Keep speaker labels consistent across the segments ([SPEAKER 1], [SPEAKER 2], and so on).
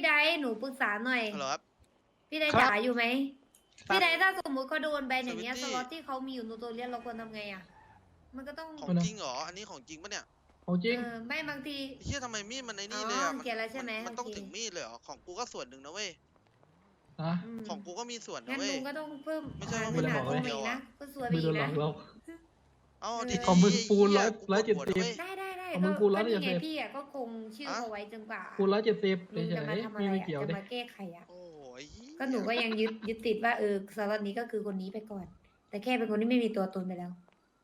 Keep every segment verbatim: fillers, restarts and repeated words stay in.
[SPEAKER 1] พี่ไดหนูปรึกษาหน่อย
[SPEAKER 2] ฮัลโหลครับ
[SPEAKER 1] พี่ไดจ๋าอยู่ไหมพี่ไดถ้าสมมุติเขาโดนแบนอย่างเงี้ยสล็อตที่เขามีอยู่ในตัวเรียนเราควรทำไงอ่ะมันก็ต้อง
[SPEAKER 2] ของจริงเหรออันนี้ของจริงปะเนี่ย
[SPEAKER 3] ของจริง
[SPEAKER 1] เออไม่บางที
[SPEAKER 2] เฮียทำไมมีดมันไอ้นี่
[SPEAKER 1] อ๋อ
[SPEAKER 2] เลยอ่ะ
[SPEAKER 1] เกลียดแล้วใช่ไหม
[SPEAKER 2] มันต้อง
[SPEAKER 1] โอเค
[SPEAKER 2] ถึงมีดเลยเหรอของกูก็ส่วนหนึ่งนะเว้ย
[SPEAKER 3] นะ
[SPEAKER 1] อืม
[SPEAKER 2] ของกูก็มีส่วนนะ
[SPEAKER 1] งั้น
[SPEAKER 2] เว้ย
[SPEAKER 1] ลุงก็ต้องเพิ่ม
[SPEAKER 2] ไม่ใช่ว่า
[SPEAKER 1] ห
[SPEAKER 3] ไม่ได้
[SPEAKER 1] นา
[SPEAKER 3] บอก
[SPEAKER 1] ตรง
[SPEAKER 3] เลย
[SPEAKER 1] นี้นะก็สวย
[SPEAKER 3] ไม่
[SPEAKER 1] อี
[SPEAKER 3] โด
[SPEAKER 1] ก
[SPEAKER 3] นหล
[SPEAKER 1] นะ
[SPEAKER 3] อกหรอก
[SPEAKER 2] เอ๋อ
[SPEAKER 1] เออ
[SPEAKER 2] ดี
[SPEAKER 3] ของมึงปูนร้อยร้อยเจ็ดสิบ
[SPEAKER 1] ได้ได้ได้
[SPEAKER 3] เอา
[SPEAKER 1] ก็
[SPEAKER 3] มันพูดแล้ว
[SPEAKER 1] ก็นี่
[SPEAKER 3] อย่า
[SPEAKER 1] ไง
[SPEAKER 3] เสพ
[SPEAKER 1] พี่อ่ะก็คงชื่อเขาไว้จนกว่า
[SPEAKER 3] คูณร้อยเจ็ดสิบ
[SPEAKER 1] ลุง
[SPEAKER 3] เฉ
[SPEAKER 1] จะ
[SPEAKER 3] ย
[SPEAKER 1] มาทำ
[SPEAKER 3] ๆ
[SPEAKER 1] อะไร
[SPEAKER 3] มีไม่
[SPEAKER 1] อ่ะ
[SPEAKER 3] เกี่ยว
[SPEAKER 1] จะ
[SPEAKER 3] ดิ
[SPEAKER 1] มาแก้ไขอ่ะ
[SPEAKER 2] โอ้ย
[SPEAKER 1] ก็หนูก็ยังยึดยึดติดว่าเออสล็อตนี้ก็คือคนนี้ไปก่อน แต่แค่เป็นคนที่ไม่มีตัวตนไปแล้ว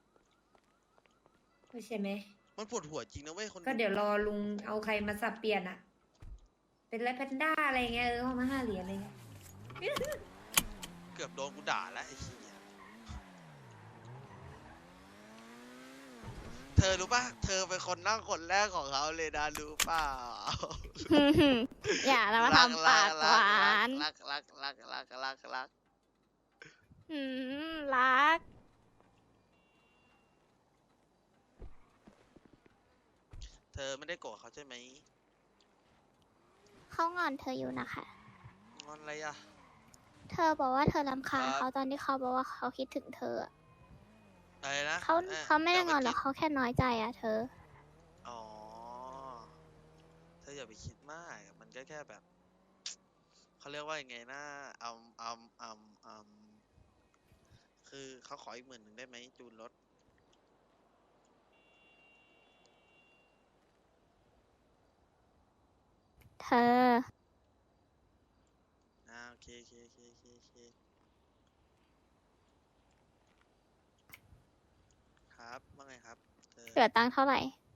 [SPEAKER 1] ก็ใช่ไหม
[SPEAKER 2] มันปวดหัวจริงนะเว้ยคน
[SPEAKER 1] ก็เดี๋ยวรอลุงเอาใครมาสับเปลี่ยนอะเป็นไรแพนด้าอะไรเงี้ยเออห้องมาห้าเหรียญอะไรเงี้ย
[SPEAKER 2] เกือบโดนกูด่าแล้วไอ้เหี้ยเธอรู้ป่ะเธอเป็นคนนั่งคนแรกของเขาเลยนะรู้เปล่า
[SPEAKER 4] อย่าแล้วมาทำปากหวาน
[SPEAKER 2] รักรักรักรักรักรัก
[SPEAKER 4] อืมรัก
[SPEAKER 2] เธอไม่ได้โกรธเขาใช่ไหม
[SPEAKER 4] เขางอนเธออยู่นะคะ
[SPEAKER 2] งอนอะไรอ่ะ
[SPEAKER 4] เธอบอกว่าเธอรำคาญ
[SPEAKER 2] ครับ
[SPEAKER 4] เขาตอนที่เขาบอกว่าเขาคิดถึงเธออะ
[SPEAKER 2] อะไรนะ
[SPEAKER 4] เขา
[SPEAKER 2] อ่อ
[SPEAKER 4] เขาไม่ได้งอนหร
[SPEAKER 2] ย่า
[SPEAKER 4] อก
[SPEAKER 2] ปคิ
[SPEAKER 4] เขาแค่น้อยใจอะเธอ
[SPEAKER 2] อ๋อ เธออย่าไปคิดมาก มันก็แค่แบบ เขาเรียกว่ายังไงนะอืมอืมอืมอืมคือเขาขออีกหมื่นหนึ่งได้ไหมจูนรถ
[SPEAKER 4] เธอ
[SPEAKER 2] อ่าโอเคโอเคโอเคโอเคโอเคครับว่าไงครับเธอ
[SPEAKER 4] เหลือตังค์เท่าไหร่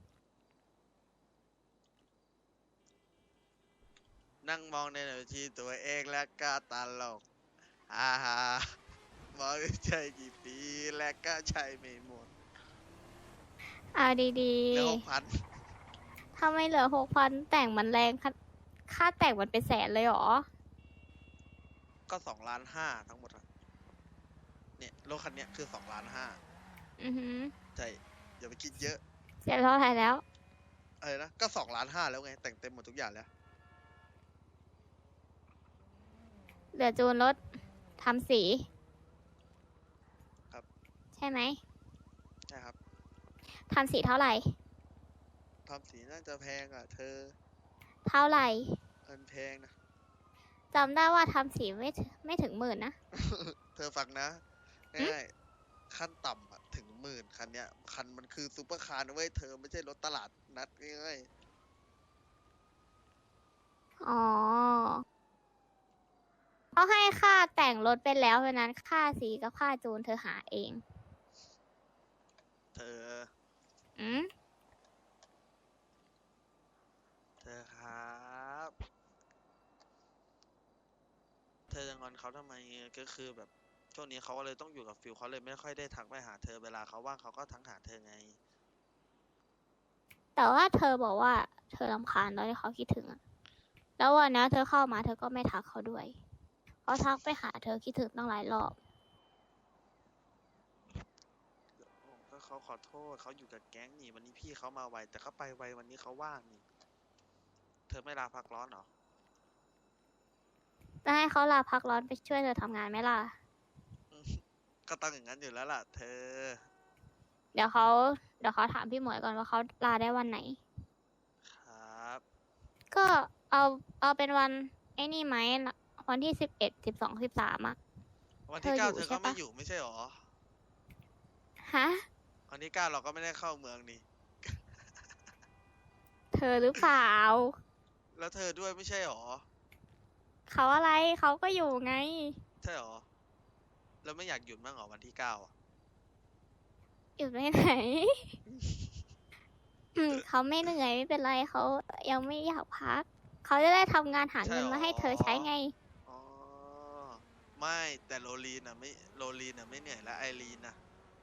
[SPEAKER 2] นั่งมองในหน้าที่ตัวเองและก็ตลกอ่าฮะมองใจกี่ปีและก็ใช้ไม่หมด
[SPEAKER 4] เอาดี
[SPEAKER 2] เหลือหกพัน
[SPEAKER 4] ๆ ถ้าไม่เหลือหกพันแต่งมันแรงค่าค่าแต่งมันเป็นแสนเลยเหรอ
[SPEAKER 2] ก็สองล้านห้าทั้งหมดอะเนี่ยรถคันเนี้ยคือสองล้านห้า
[SPEAKER 4] อือหือ
[SPEAKER 2] ใช่อย่าไปคิดเยอะ
[SPEAKER 4] เสียเท่าไหร่แล้ว
[SPEAKER 2] อะไรนะก็สองล้านห้าแล้วไงแต่งเต็มหมดทุกอย่างแล้ว
[SPEAKER 4] เหลือจูนรถทำสี
[SPEAKER 2] ครับ
[SPEAKER 4] ใช่ไหม
[SPEAKER 2] ใช่ครับ
[SPEAKER 4] ทำสีเท่าไหร่
[SPEAKER 2] ทำสีน่าจะแพงอ่ะ เธอ
[SPEAKER 4] เท่าไหร่
[SPEAKER 2] เงินแพงนะ
[SPEAKER 4] จำได้ว่าทำสีไม่ถึงไม่ถึงหมื่นนะ
[SPEAKER 2] เธอฟังนะง่ายๆขั้นต่ำอะถึงหมื่นคันเนี้ยคันมันคือซูเปอร์คาร์นะเว้ยเธอไม่ใช่รถตลาดนัดง่าย
[SPEAKER 4] อ๋อเขาให้ค่าแต่งรถไปแล้วเพราะนั้นค่าสีกับค่าจูนเธอหาเอง
[SPEAKER 2] ๆเธอ
[SPEAKER 4] อืม
[SPEAKER 2] เธอครับ เธอจะงอนเขาทำไมก็คือแบบช่วงนี้เขาก็เลยต้องอยู่กับฟิลเขาเลยไม่ค่อยได้ทักไปหาเธอเวลาเขาว่างเขาก็ทักหาเธอไง
[SPEAKER 4] แต่ว่าเธอบอกว่าเธอรำคาญตอนที่เขาคิดถึงอะแล้ววันนี้เธอเข้ามาเธอก็ไม่ทักเขาด้วยเขาทักไปหาเธอคิดถึงตั้งหลายรอบ
[SPEAKER 2] ก็เขาขอโทษเขาอยู่กับแก๊งนี่วันนี้พี่เขามาไวแต่เขาไปไววันนี้เขาว่างนี่เธอไม่ลาพักร้อนเหรอ
[SPEAKER 4] จะให้เขาลาพักร้อนไปช่วยเธอทำงานไหมล่ะ
[SPEAKER 2] ก็ต้องอย่างนั้นอยู่แล้วล่ะ เธอ
[SPEAKER 4] เดี๋ยวเขาเดี๋ยวเขาถามพี่หมวยก่อนว่าเขาลาได้วันไหน
[SPEAKER 2] ครับ
[SPEAKER 4] ก็เอาเอาเป็นวันไอ้นี่ไหมวันที่สิบเอ็ดสิบสองสิบสามอะ
[SPEAKER 2] วันที่เก้า
[SPEAKER 4] เธ
[SPEAKER 2] เธ
[SPEAKER 4] อ
[SPEAKER 2] อ
[SPEAKER 4] อยู่
[SPEAKER 2] ก็ไม่
[SPEAKER 4] ใช่ปะ
[SPEAKER 2] อยู่ไม่ใช่หรอ
[SPEAKER 4] ฮะ
[SPEAKER 2] วันที่เก้าเราก็ไม่ได้เข้าเมืองนี่
[SPEAKER 4] เธอหรือเปล่า
[SPEAKER 2] แล้วเธอด้วยไม่ใช่หรอ
[SPEAKER 4] เขาอะไรเขาก็อยู่ไง
[SPEAKER 2] ใช่หรอแล้วไม่อยากหยุดบ้างเหรอวันที่เก้าอ่ะ
[SPEAKER 4] อยู่ไปไหน อืมเขาไม่เหนื่อยไม่เป็นไรเขายังไม่อยากพัก เขาจะได้ทำงานหาเงินมาให้เธอใช้ไง
[SPEAKER 2] อ๋อไม่แต่โรลีนอ่ะไม่โรลีนอ่ะไม่เหนื่อยแล้วไอรีนอ่ะ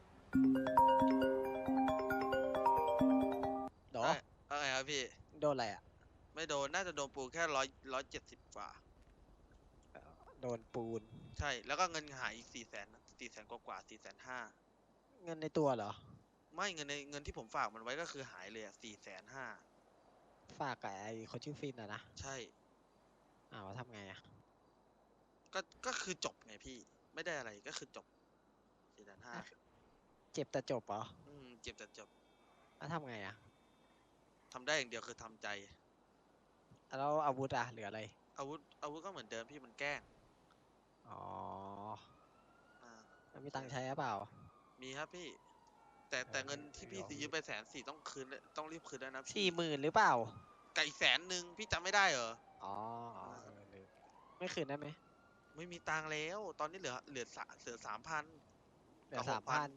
[SPEAKER 5] โด
[SPEAKER 2] เอ้ยเอาไงครับพี่
[SPEAKER 5] โดนอะไรอ่ะ
[SPEAKER 2] ไม่โดนน่าจะโดนปูแค่ร้อยร้อยเจ็ดสิบกว่า
[SPEAKER 5] โดนปูน
[SPEAKER 2] ใช่แล้วก็เงินหายอีกสี่แสนสี่แสนกว่ากว่าสี่แสนห้า
[SPEAKER 5] เงินในตัวเหรอ
[SPEAKER 2] ไม่เงินในเงินที่ผมฝากมันไว้ก็คือหายเลยอ่ะสี่แสนห้า
[SPEAKER 5] ฝากกับไอ้คนชื่อฟินอ่ะนะ
[SPEAKER 2] ใช่
[SPEAKER 5] อ้าวแล้วทำไงอะ
[SPEAKER 2] ก็ก็คือจบไงพี่ไม่ได้อะไรก็คือจบสี่แสนห้า
[SPEAKER 5] เจ็บแต่จบเหรอ
[SPEAKER 2] อืมเจ็บแต่จบ
[SPEAKER 5] แล้วทำไงอะ
[SPEAKER 2] ทำได้อย่างเดียวคือทำใจ
[SPEAKER 5] แล้วอาวุธอะเหลืออะไร
[SPEAKER 2] อาวุธอาวุธก็เหมือนเดิมพี่มันแกล้ง
[SPEAKER 5] อ๋อ
[SPEAKER 2] อ่า
[SPEAKER 5] แล้วมีตังค์ใช้หรือเปล่า
[SPEAKER 2] มีครับพี่ แต่แต่
[SPEAKER 5] เออ
[SPEAKER 2] เงินที่พี่
[SPEAKER 5] ลอง
[SPEAKER 2] ยืมไปแสนสี่ต้องคืนเลยต้องรีบคืนแล้วนะพี่
[SPEAKER 5] สี่หมื่นหรือเปล่า
[SPEAKER 2] ไก่แสนหนึ่งพี่จำไม่ได้เหรอ
[SPEAKER 5] อ๋ออ๋อเออลืมไม่คืนได้ไหม
[SPEAKER 2] ไม่มีตังค์แล้ว ตอนนี้เหลือเหลือสะเหลือสามพัน
[SPEAKER 5] เหลือสามพัน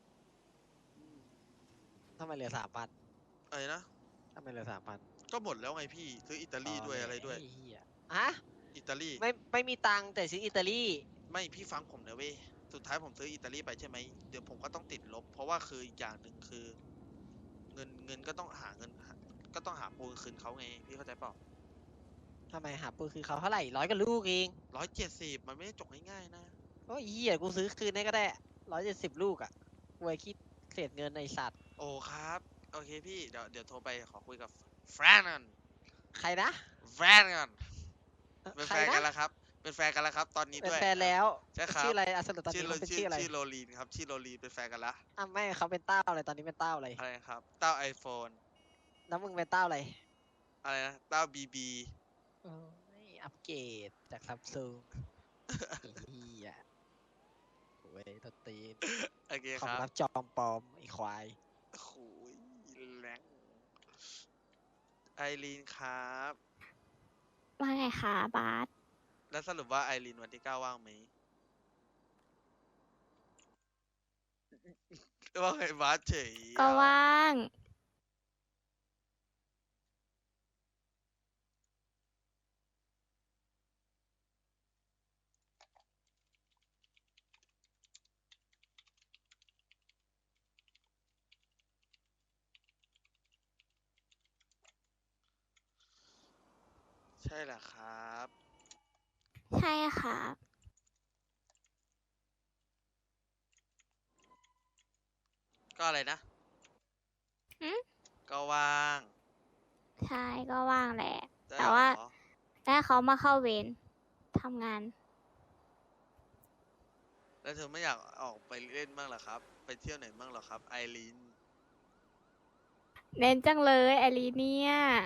[SPEAKER 5] ทำไมเหลือสามพัน
[SPEAKER 2] อะไรนะ
[SPEAKER 5] ทำไมเหลือสามพัน
[SPEAKER 2] ก็หมดแล้วไงพี่ ซื้ออิตาลีด้วยอะไรด้วย
[SPEAKER 5] ไอ้เหี้ยฮะ
[SPEAKER 2] อิตาลี
[SPEAKER 5] ไม่ไม่มีตังค์แต่ซื้ออิตาลี
[SPEAKER 2] ไม่พี่ฟังผมนะเว้ย สุดท้ายผมซื้ออิตาลีไปใช่ไหม เดี๋ยวผมก็ต้องติดลบ เพราะว่าคืออีกอย่างหนึ่งคือ เงินเงินก็ต้องหาเงินหาก็ต้องหาปูนคืนเขาไง พี่เข้าใจเปล่า
[SPEAKER 5] ทำไมหาปืนคือเขาเท่าไหร่ร้อยกับลูกเอง
[SPEAKER 2] ร้อยเจ็ดสิบมันไม่ได้จบง่ายๆนะ
[SPEAKER 5] โอ้ยเหี้ยกูซื้อคืนได้ก็ได้ร้อยเจ็ดสิบลูกอะกูไว้คิดเศษเงินในสัตว์
[SPEAKER 2] โอ้ครับ โอเคพี่ เดี๋ยวเดี๋ยวโทรไปขอคุยกับแฟนกัน
[SPEAKER 5] ใครนะ
[SPEAKER 2] แฟนกัน เป็น
[SPEAKER 5] ใค
[SPEAKER 2] แฟ
[SPEAKER 5] ร
[SPEAKER 2] นกัน
[SPEAKER 5] นะ
[SPEAKER 2] แล้วครับ เป็นแฟนกันแล้วครับ ตอนนี้
[SPEAKER 5] เป็น
[SPEAKER 2] ด้วย
[SPEAKER 5] แฟนแล้ว
[SPEAKER 2] ใช่ครับ
[SPEAKER 5] ชื่ออะไรอะสรุปตอน
[SPEAKER 2] ชื่อ
[SPEAKER 5] นี้
[SPEAKER 2] โร
[SPEAKER 5] เขาเป็น
[SPEAKER 2] ชื่อ
[SPEAKER 5] ชื่ออะไร
[SPEAKER 2] ชื่อโรลีนครับ ชื่อโรลีนเป็นแฟนกันละ
[SPEAKER 5] อ่ะไม่เขาเป็นเต้าอะไรตอนนี้เป็นเต้าอะไร
[SPEAKER 2] อะไรนะครับ เต้าไอโฟน
[SPEAKER 5] แล้วมึงเป็นเต้าอะไร
[SPEAKER 2] อะไรนะ เต้าบีบี
[SPEAKER 5] โอ้ยอัปเกรดจากซัมซุงเฮียโอ้ยตวตีน
[SPEAKER 2] โอเค
[SPEAKER 5] ขอ
[SPEAKER 2] ค
[SPEAKER 5] ง
[SPEAKER 2] รับ
[SPEAKER 5] รับจอมปลอมไอควาย
[SPEAKER 2] โอ้โหแรงไอรีนครับ
[SPEAKER 4] ว่าไงคะบาส
[SPEAKER 2] แล้วสรุปว่าไอรีนวันที่เก้าว่างไหม ว่าไงบาสเฉย
[SPEAKER 4] ก็
[SPEAKER 2] อ่ะ
[SPEAKER 4] ว่าง
[SPEAKER 2] ใช่แหละครับ
[SPEAKER 4] ใช่ค่ะ
[SPEAKER 2] ก็อะไรนะ
[SPEAKER 4] หืม
[SPEAKER 2] ก็ว่าง
[SPEAKER 4] ใช่ก็ว่างแหละ
[SPEAKER 2] ได้
[SPEAKER 4] แต่ว่า
[SPEAKER 2] เหรอ
[SPEAKER 4] ถ้าเขามาเข้าเวรทำงาน
[SPEAKER 2] แล้วเธอไม่อยากออกไปเล่นบ้างเหรอครับ ไปเที่ยวไหนบ้างเหรอครับ ไอรีน
[SPEAKER 4] เน้นจังเลยไอรีเนี่ย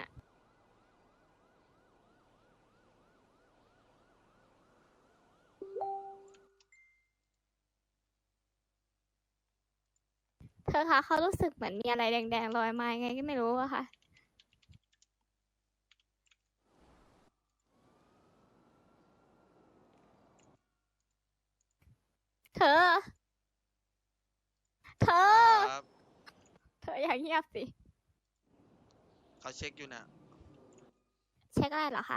[SPEAKER 4] เธอคะเขารู้สึกเหมือนมีอะไรแดงๆลอยมายังไงก็ไม่รู้อะค่ะ เธอ เธอ
[SPEAKER 2] ครับ
[SPEAKER 4] เธออย่างเงียบสิ
[SPEAKER 2] เขาเช็คอยู่นะ
[SPEAKER 4] เช็คอะไรเหรอคะ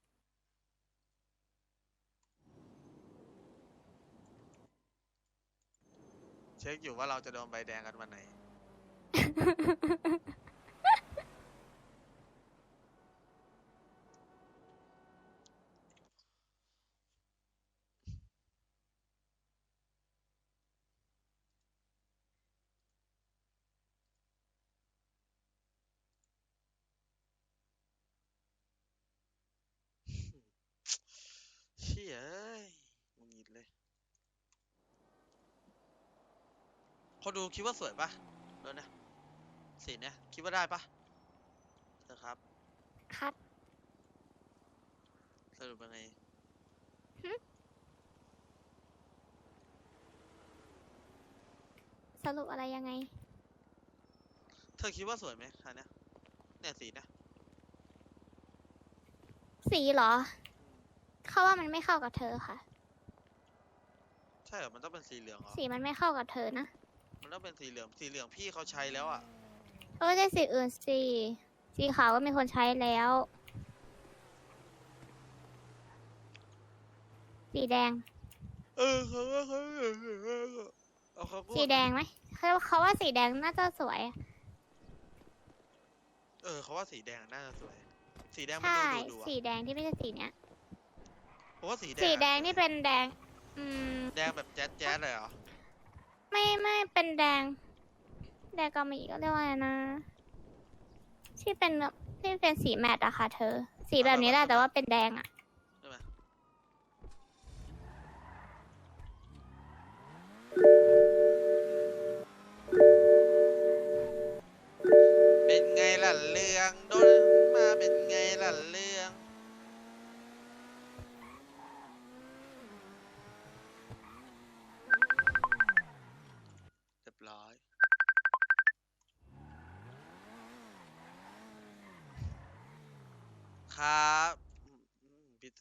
[SPEAKER 2] เช็คอยู่ว่าเราจะโดนใบแดงกันวันไหน เชี่ยเอ้ยหงุดหงิดเลยคนดูคิดว่าสวยปะเออนะสีเนี่ยคิดว่าได้ปะเธอครับ
[SPEAKER 4] คัด
[SPEAKER 2] สรุปยังไง
[SPEAKER 4] สรุปอะไรยังไง
[SPEAKER 2] เธอคิดว่าสวยไหมคันเนี้ยเนี่ยสีเนี่ย
[SPEAKER 4] สีเหรอ เขาว่ามันไม่เข้ากับเธอค่ะ
[SPEAKER 2] ใช่เหรอมันต้องเป็นสีเหลืองเหรอ
[SPEAKER 4] สีมันไม่เข้ากับเธอนะ
[SPEAKER 2] มันต้องเป็นสีเหลืองสีเหลืองพี่เขาใช้แล้วอ่ะ
[SPEAKER 4] เออได้สีอื่นสิ สีขาวก็มีคนใช้แล้ว สีแดง
[SPEAKER 2] เออเขาว่าเขาเอาเขาก็
[SPEAKER 4] สีแดงไหมเขาเขาว่าสีแดงน่าจะสวย
[SPEAKER 2] เออเขาว่าสีแดงน่าจะสวย สีแดงมัน
[SPEAKER 4] ใช่
[SPEAKER 2] ดูดูดู
[SPEAKER 4] สี
[SPEAKER 2] อ่ะ
[SPEAKER 4] แดงที่ไม่ใช่สีเนี้ย
[SPEAKER 2] เพราะว่าสีแดง
[SPEAKER 4] สีแดง
[SPEAKER 2] อะ
[SPEAKER 4] นี่เป็นแดง อืม
[SPEAKER 2] แดงแบบแจ๊ดแจ๊ดเลยเหรอ
[SPEAKER 4] ไม่ไม่เป็นแดง แดงกามีก็เรียกว่าไงนะ ที่เป็นที่เป็นสีแมตต์อะค่ะเธอ สีแบบนี้แหละแต่ว่าเป็นแดงอะ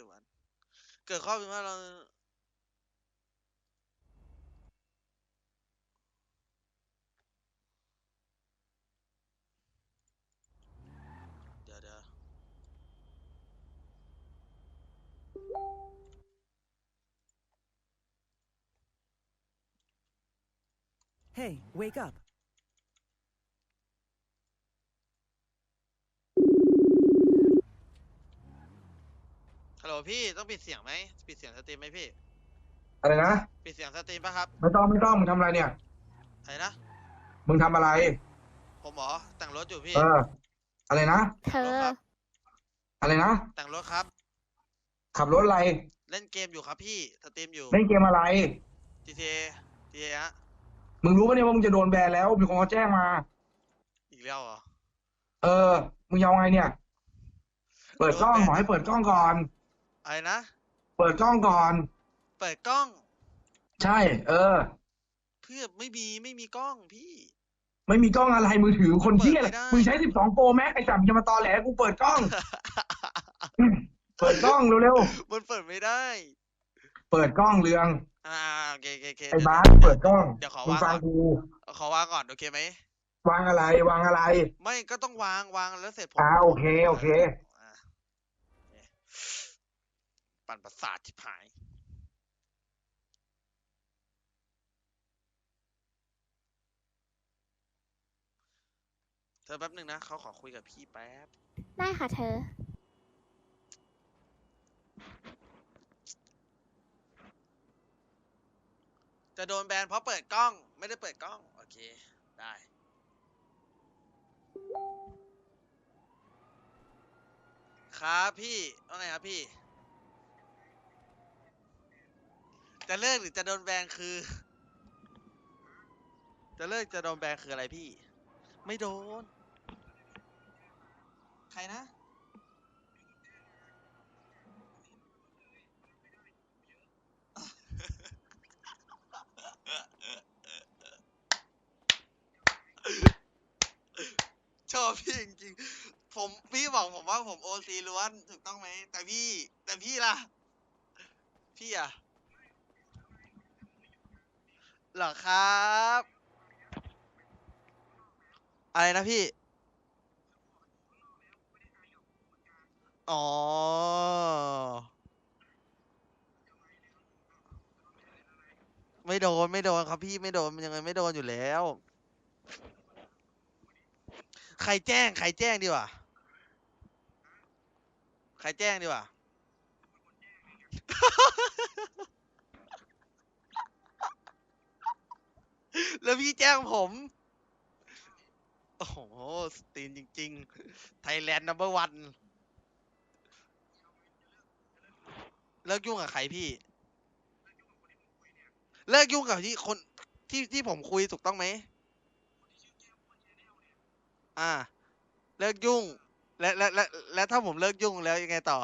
[SPEAKER 2] สุวรรณเกิดข้อผิดพลาดเราเดี๋ยวเดี๋ยว
[SPEAKER 6] Hey, wake up.
[SPEAKER 2] ฮัลโหลพี่ต้องปิดเสียงไหมปิดเสียงสตรีมไหมพี่
[SPEAKER 7] อะไรนะ
[SPEAKER 2] ปิดเสียงสตรีมป่ะครับ
[SPEAKER 7] ไม่ต้องไม่ต้องมึงทำอะไรเนี่ย
[SPEAKER 2] อะไรนะ
[SPEAKER 7] มึงทำอะไร
[SPEAKER 2] ผมเหรอแต่งรถอยู่พี่
[SPEAKER 7] เออ อะไรนะ
[SPEAKER 4] เธอ
[SPEAKER 2] ครับ
[SPEAKER 7] อะไรนะ
[SPEAKER 2] แต่งรถครับ
[SPEAKER 7] ขับรถอะไร
[SPEAKER 2] เล่นเกมอยู่ครับพี่สตรีมอยู่
[SPEAKER 7] เล่นเกมอะไร
[SPEAKER 2] จี ที เอ จี ที เอ ฮะ
[SPEAKER 7] มึงรู้ปะเนี่ยว่ามึงจะโดนแบนแล้ว มีคนเขาแจ้งมา
[SPEAKER 2] อีกแล้วเหรอ
[SPEAKER 7] เออ มึงยาวไงเนี่ย เปิดกล้อง
[SPEAKER 2] โดนแบน
[SPEAKER 7] หมอให้เปิดกล้องก่อน
[SPEAKER 2] อะไรนะ
[SPEAKER 7] เปิดกล้องก่อน
[SPEAKER 2] เปิดกล้อง
[SPEAKER 7] ใช่ เออ
[SPEAKER 2] เพื่อไม่มีไม่มีกล้องพี่
[SPEAKER 7] ไม่มีกล้องอะไร มือถือคนเที่ยอะไร
[SPEAKER 2] เปิดไม่ได้
[SPEAKER 7] มึงใช้สิบสองโปรแม็กไอ้จับจะมาตอแหลกูเปิดกล้อง เปิดกล้องเร็ว
[SPEAKER 2] มันเปิดไม่ได้
[SPEAKER 7] ๆ เปิดกล้องเรือง
[SPEAKER 2] อ่าโอเคโอเคโอเค
[SPEAKER 7] ไอ้
[SPEAKER 2] เดี๋ยว
[SPEAKER 7] บาสเปิดกล้อง
[SPEAKER 2] เดี๋ยวขอ
[SPEAKER 7] มึง
[SPEAKER 2] วาง
[SPEAKER 7] ฟัง
[SPEAKER 2] ก่อน
[SPEAKER 7] กู
[SPEAKER 2] ขอวางก่อนโอเคไหม
[SPEAKER 7] วางอะไร วางอะไร
[SPEAKER 2] ไม่ก็ต้องวางวางแล้วเสร็จผม
[SPEAKER 7] อ่าโอเคโอเค
[SPEAKER 2] อ่าโอเคปั่นประสาทชิบหาย เธอแป๊บหนึ่งนะเขาขอคุยกับพี่แป๊บ
[SPEAKER 4] ได้ค่ะเธอ
[SPEAKER 2] จะโดนแบนเพราะเปิดกล้อง ไม่ได้เปิดกล้อง โอเค ได้ ครับพี่ว่าไงครับพี่ จะเลิกหรือจะโดนแบนคือ จะเลิกจะโดนแบนคืออะไรพี่ ไม่โดน ใครนะ ชอบพี่จริงๆ ผมพี่บอกผมว่าผมโอซีล้วนถูกต้องไหม แต่พี่ แต่พี่ล่ะ พี่อะเหรอครับ อะไรนะพี่ อ๋อ ไม่โดนไม่โดนครับพี่ไม่โดนมันยังไงไม่โดนอยู่แล้ว ใครแจ้ง ใครแจ้งดีกว่า ใครแจ้งดีกว่า แล้วพี่แจ้งผม โอ้โหสตรีนจริงๆ ไทยแลนด์นัมเบอร์วันเลิกยุ่งกับใครพี่ เลิกยุ่งกับที่คนที่ที่ผมคุยถูกต้องไหม อ่า เลิกยุ่ง และและและและถ้าผมเลิกยุ่งแล้วยังไงต่อ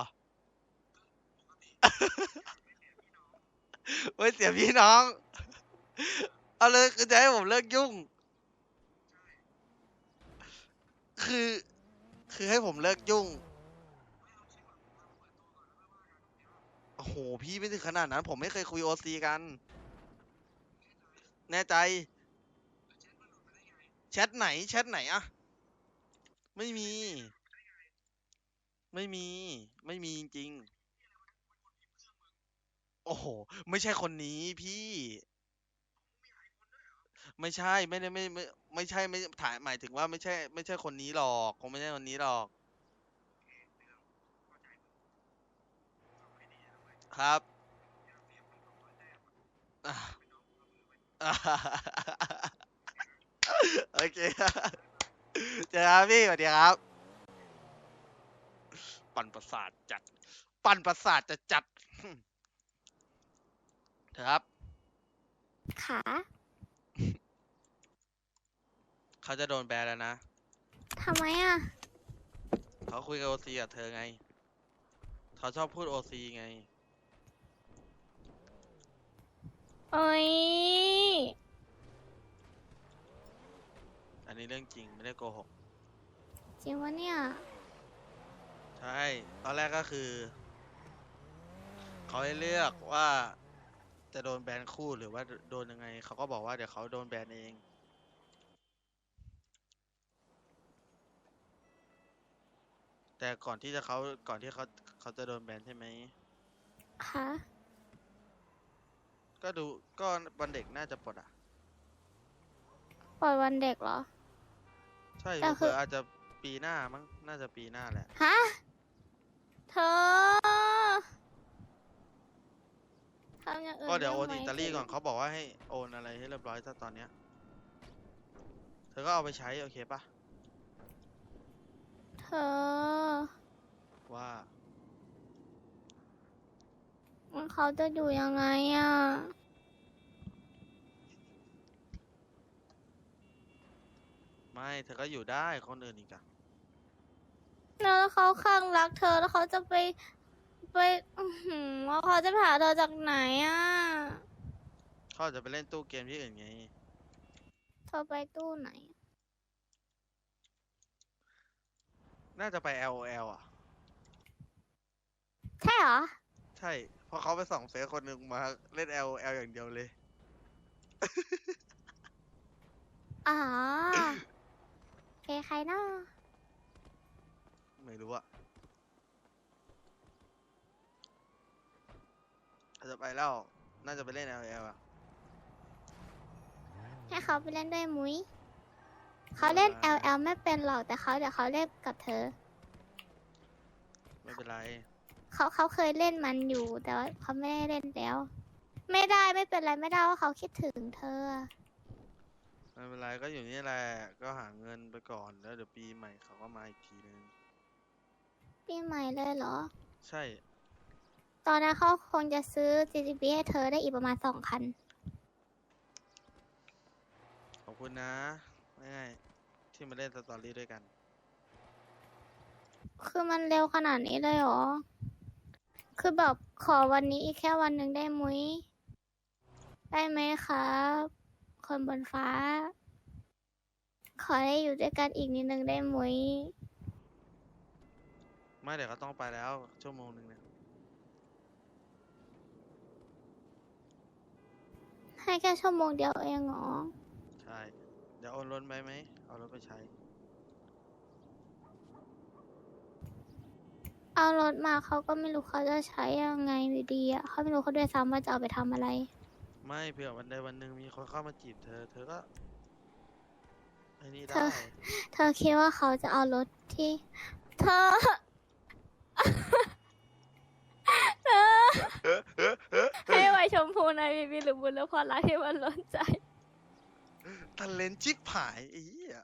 [SPEAKER 2] ไว้เสียพี่น้อง เอาเลยคือจะให้ผมเลิกยุ่ง คือ คือให้ผมเลิกยุ่ง โอ้โห พี่ไม่ถึงขนาดนั้น ผมไม่เคยคุยโอซีกัน แน่ใจ แชทไหน แชทไหนอะไม่มี ไม่มี ไม่มีจริงๆ โอ้โห ไม่ใช่คนนี้พี่ ไม่ใช่ ไม่ได้ไม่ไม่ไม่ใช่ไม่ถ่ายหมายถึงว่าไม่ใช่ ไม่ใช่คนนี้หรอกคงไม่ใช่คนนี้หรอก ครับอ่ะอ่ะโอเคเจอครับพี่สวัสดีครับ ปั่นประสาทจัด ปั่นประสาทจะจัดครับ
[SPEAKER 4] ขา
[SPEAKER 2] เขาจะโดนแบนแล้วนะ
[SPEAKER 4] ทำไมอ่ะ
[SPEAKER 2] เขาคุยกับโอซีกับเธอไง เขาชอบพูดโอซีไง
[SPEAKER 4] โอ้ย
[SPEAKER 2] อันนี้เรื่องจริงไม่ได้โกหก
[SPEAKER 4] จริงวะเนี่ย
[SPEAKER 2] ใช่ ตอนแรกก็คือเขาให้เลือกว่าจะโดนแบนคู่หรือว่าโดนยังไงเขาก็บอกว่าเดี๋ยวเขาโดนแบนเอง แต่ก่อนที่จะเขาก่อนที่เขาเขาจะโดนแบนใช่ไหม
[SPEAKER 4] คะ
[SPEAKER 2] ก็ดูก็วันเด็กน่าจะปลดอ่ะ
[SPEAKER 4] ปล่อยวันเด็กเหรอ
[SPEAKER 2] ใช่
[SPEAKER 4] แต่คือ
[SPEAKER 2] เผื่อๆอาจจะปีหน้ามั้งน่าจะปีหน้าแหละ
[SPEAKER 4] ฮะ เธอทำอย่างอื่น
[SPEAKER 2] ก็เดี๋ยวโอน
[SPEAKER 4] ไไหม
[SPEAKER 2] อิตาลีก่อนเขาบอกว่าให้โอนอะไรให้เรียบร้อยถ้าตอนเนี้ยเธอก็เอาไปใช้โอเคปะ
[SPEAKER 4] เธอ
[SPEAKER 2] ว่า
[SPEAKER 4] เขาจะอยู่ยังไงอ่ะ
[SPEAKER 2] ไม่เธอก็อยู่ได้คนอื่นอีกอะ
[SPEAKER 4] แล้วเขาข้างรักเธอแล้วเขาจะไปไปอื้อหือว่าเขาจะไปหาเธอจากไหนอ่ะ
[SPEAKER 2] เขาอาจจะไปเล่นตู้เกมที่อื่นไง
[SPEAKER 4] เธอไปตู้ไหน
[SPEAKER 2] น่าจะไป แอล โอ แอล อ่ะ
[SPEAKER 4] ใช่เหรอ
[SPEAKER 2] ใช่เพราะเขาไปส่องเฟซคนหนึ่งมาเล่น แอล โอ แอล อย่างเดียวเลย
[SPEAKER 4] อ๋อเคใครเนาะ
[SPEAKER 2] ไม่รู้อะอาจจะไปแล้ว น่าจะไปเล่น แอล โอ แอล อ่ะ
[SPEAKER 4] ให้เขาไปเล่นด้วยมุ้ย เขาเล่น
[SPEAKER 2] อ่า
[SPEAKER 4] แอล แอล ไม่เป็นหรอกแต่เขาเดี๋ยวเขาเล่นกับเธอ
[SPEAKER 2] ไม่เป็นไร
[SPEAKER 4] เขาเขาเคยเล่นมันอยู่ แต่ว่าเขาไม่ได้เล่นแล้ว ไม่ได้ไม่เป็นไรไม่ได้ว่าเขาคิดถึงเธอ
[SPEAKER 2] ไม่เป็นไรก็อยู่นี่แหละ ก็หาเงินไปก่อนแล้วเดี๋ยวปีใหม่เขาก็มาอีกทีนึง
[SPEAKER 4] ปีใหม่เลยเหรอ
[SPEAKER 2] ใช่
[SPEAKER 4] ตอนนั้นเขาคงจะซื้อ จี จี บี ให้เธอได้อีกประมาณสองคัน
[SPEAKER 2] ขอบคุณนะง่ายๆที่มาเล่นสตอรี่ด้วยกัน
[SPEAKER 4] คือมันเร็วขนาดนี้เลยเหรอ คือแบบขอวันนี้อีกแค่วันหนึ่งได้มุ้ย ได้ไหมครับ คนบนฟ้า ขอให้อยู่ด้วยกันอีกนิดนึงได้มุ้ย
[SPEAKER 2] ไม่เดี๋ยวก็ต้องไปแล้วชั่วโมงหนึ่งเนี่ย
[SPEAKER 4] ให้แค่ชั่วโมงเดียวเองเหรอ
[SPEAKER 2] ใช่ เดี๋ยวโอนรถไปไหม เอารถไปใช้
[SPEAKER 4] เอารถมาเขาก็ไม่รู้เขาจะใช้ยังไงอยู่ดีอ่ะเขาไม่รู้เขาด้วยซ้ำว่าจะเอาไปทำอะไร
[SPEAKER 2] ไม่เผื่อวันใดวันหนึ่งมีคนเข้ามาจีบเธอ เธอก็ไอ้นี่
[SPEAKER 4] เธ
[SPEAKER 2] ได้
[SPEAKER 4] อ เธอคิดว่าเขาจะเอารถที่ เธอ เธอ ให้ไวชมพูในบีบีหรือบุญแล้วพอรักที่มันล้นใจ
[SPEAKER 2] ทะเลนชิบหายไอ้เหี้ย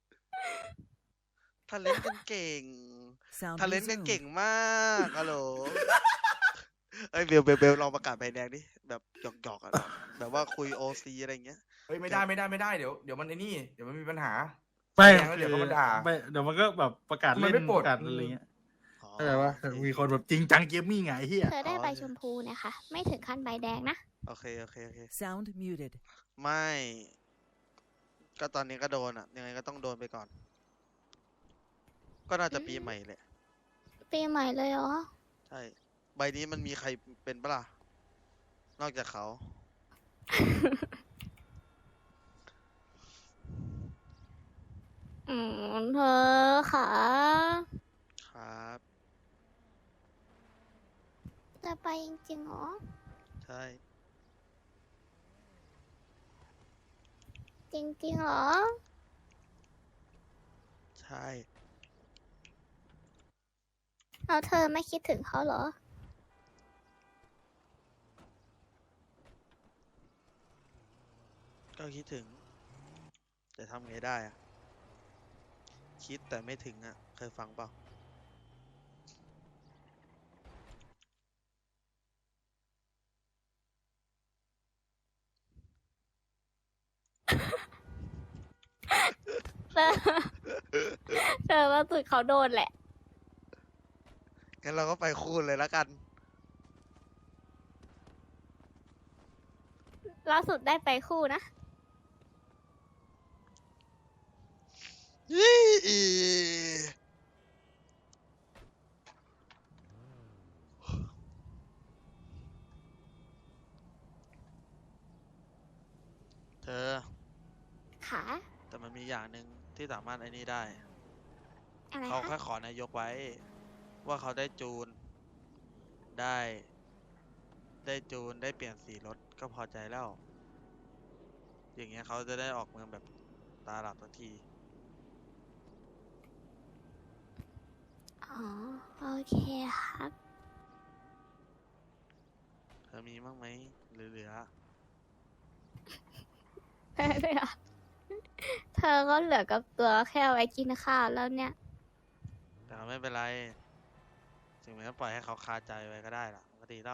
[SPEAKER 2] ทะเลนกันเก่ง
[SPEAKER 6] Sound
[SPEAKER 2] ทะเลนกัน
[SPEAKER 6] resumed.
[SPEAKER 2] เก่งมากฮัลโหล เอ้ยเบลเบลเบลลองประกาศใบแดงดิ แบบหยอกหยอกๆอะแบบว่าคุยโอซีอะไรเงี้ย
[SPEAKER 7] เฮ้ยไม่ได้ไม่ได้ไม่ได้เดี๋ยวเดี๋ยวมันไอ้นี่เดี๋ยวมันมีปัญหา
[SPEAKER 3] ไม่
[SPEAKER 7] แจ้งแล้วเดี๋ยวเขามาด่า
[SPEAKER 3] ไม่เดี๋ยวมันก็แบบประกาศ
[SPEAKER 7] มัน
[SPEAKER 3] เล่น
[SPEAKER 7] ไม่ปลด
[SPEAKER 3] ประกาศอะไรเงี้ย
[SPEAKER 2] อ๋อ
[SPEAKER 3] เข้าใจปะ
[SPEAKER 2] โอเค
[SPEAKER 3] มีคนแบบจริงจังเกมมี่ไงไอ้เฮีย
[SPEAKER 4] เธอได้ใบชมพูเนี่ยค่ะ ไม่ถึงขั้นใบแดงนะ
[SPEAKER 2] โอเคโอเคโอเค
[SPEAKER 6] Sound muted.
[SPEAKER 2] ไม่ ก็ตอนนี้ก็โดนอ่ะ ยังไงก็ต้องโดนไปก่อน ก็น่าจะปีใหม่แหละ
[SPEAKER 4] ปีใหม่เลยเหรอ
[SPEAKER 2] ใช่ ใบนี้มันมีใครเป็นปะล่ะ นอกจากเขา
[SPEAKER 4] อืมเธอค่ะ
[SPEAKER 2] ครับ
[SPEAKER 4] จะไปจริงๆเหรอ
[SPEAKER 2] ใช่
[SPEAKER 4] จริงๆเหรอ
[SPEAKER 2] ใช่
[SPEAKER 4] แล้วเธอไม่คิดถึงเขาเหรอ
[SPEAKER 2] ก็คิดถึง แต่ทำไงได้อะคิดแต่ไม่ถึงอ่ะ เคยฟังเปล่า
[SPEAKER 4] เธอ เธอว่าสุดเขาโดนแหละ
[SPEAKER 2] งั้นเราก็ไปคูณเลยละกัน
[SPEAKER 4] ล่าสุดได้ไปคู่นะ
[SPEAKER 2] ยี่อีเธอ
[SPEAKER 4] ค่ะ
[SPEAKER 2] แต่มันมีอย่างหนึ่งที่สามารถไอ้นี่ได้
[SPEAKER 4] อะไร
[SPEAKER 2] เขา
[SPEAKER 4] คะ
[SPEAKER 2] แค่ขอนายกไว้ ว่าเขาได้จูน ได้ ได้จูนได้เปลี่ยนสีรถก็พอใจแล้ว อย่างเงี้ยเขาจะได้ออกเมืองแบบตาหลับทันที
[SPEAKER 4] อ๋อ โอเคครับ
[SPEAKER 2] เธอมีบ้างไหมเหลือ
[SPEAKER 4] ไม่เลยอ่ะ เธอก็เหลือกับตัวแค่เอาไว้กินข้าวแล้วเนี่ย
[SPEAKER 2] ๆแต่ก็ไม่เป็นไร ถึงแม้ปล่อยให้เขาคาใจไว้ก็ได้ล่ะมันก็ดีแล้ว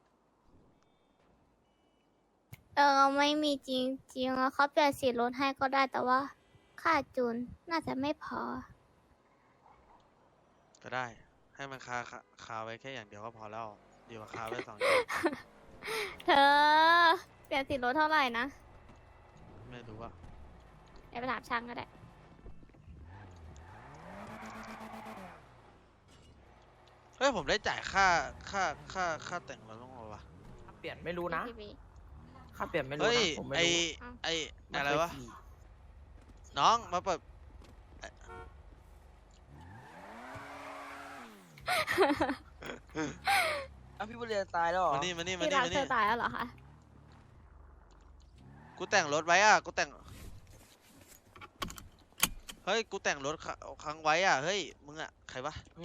[SPEAKER 4] เออ ไม่มีจริงจริงแล้วเขาเปลี่ยนสีรถให้ก็ได้แต่ว่า ค่าจูนน่าจะไม่พอ
[SPEAKER 2] ก็ได้ ให้มันคาคาคาไว้แค่อย่างเดียวก็พอแล้ว ดีกว่าคาไว้สองอย่าง
[SPEAKER 4] เธอ เปลี่ยนสีรถเท่าไหร่นะ
[SPEAKER 2] ไม่รู้ว่า
[SPEAKER 4] เดี๋ยวไปถามช่างก็ได้
[SPEAKER 2] เฮ้ย ผมได้จ่ายค่าค่าค่าค่าแต่งรถบ้างเหรอวะ
[SPEAKER 8] เปลี่ยนไม่รู้นะ
[SPEAKER 4] พี่บี
[SPEAKER 8] ค่าเปลี่ยนไม่รู้
[SPEAKER 2] เฮ้ย
[SPEAKER 8] นะ ผมไม่
[SPEAKER 2] ไอ
[SPEAKER 8] รู้
[SPEAKER 2] ไอ
[SPEAKER 8] ม่
[SPEAKER 2] อะไร
[SPEAKER 8] เคยว
[SPEAKER 2] ะ
[SPEAKER 8] ขี่
[SPEAKER 2] น้องมาเปิด
[SPEAKER 8] อ้าวพี่บุญเรียนตายแล้วเหรอ
[SPEAKER 2] มานี่มานี่มา
[SPEAKER 4] ที่
[SPEAKER 2] นี่
[SPEAKER 4] รัก
[SPEAKER 2] มา
[SPEAKER 4] เธ
[SPEAKER 2] นี่
[SPEAKER 4] อตายแล้วเหรอคะ
[SPEAKER 2] กูแต่งรถไว้อ่ะ กูแต่ง เฮ้ย กูแต่งรถคค้างไว้อ่ะ เฮ้ย มึงอ่ะ ใครวะ